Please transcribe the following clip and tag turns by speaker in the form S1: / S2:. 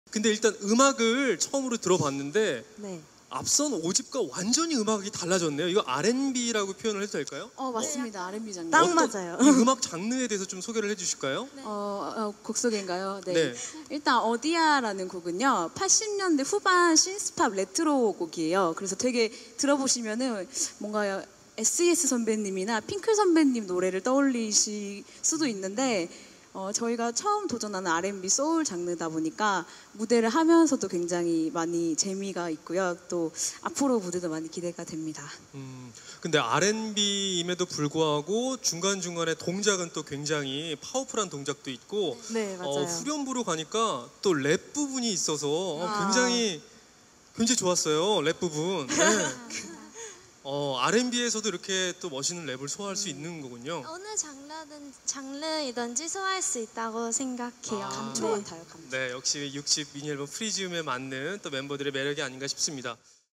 S1: 근데 일단 음악을 처음으로 들어봤는데
S2: 네.
S1: 앞선 5집과 완전히 음악이 달라졌네요. 이거 R&B라고 표현을 해도 될까요?
S3: 맞습니다. R&B 장르.
S2: 딱 맞아요.
S1: 이 음악 장르에 대해서 좀 소개를 해주실까요?
S3: 곡 소개인가요? 네.
S1: 네.
S3: 일단 어디야라는 곡은요. 80년대 후반 신스팝 레트로 곡이에요. 그래서 되게 들어보시면은 뭔가 SES 선배님이나 핑클 선배님 노래를 떠올리실 수도 있는데 저희가 처음 도전하는 R&B 소울 장르다 보니까 무대를 하면서도 굉장히 많이 재미가 있고요. 또 앞으로 무대도 많이 기대가 됩니다.
S1: 근데 R&B임에도 불구하고 중간중간에 동작은 또 굉장히 파워풀한 동작도 있고
S2: 네, 맞아요.
S1: 후렴부로 가니까 또 랩 부분이 있어서 굉장히 좋았어요. 랩 부분. 네. R&B에서도 이렇게 또 멋있는 랩을 소화할 수 있는 거군요.
S4: 어느 장르이든지 소화할 수 있다고 생각해요.
S3: 감초 같아요. 감초.
S1: 네, 역시 60 미니 앨범 프리지움에 맞는 또 멤버들의 매력이 아닌가 싶습니다.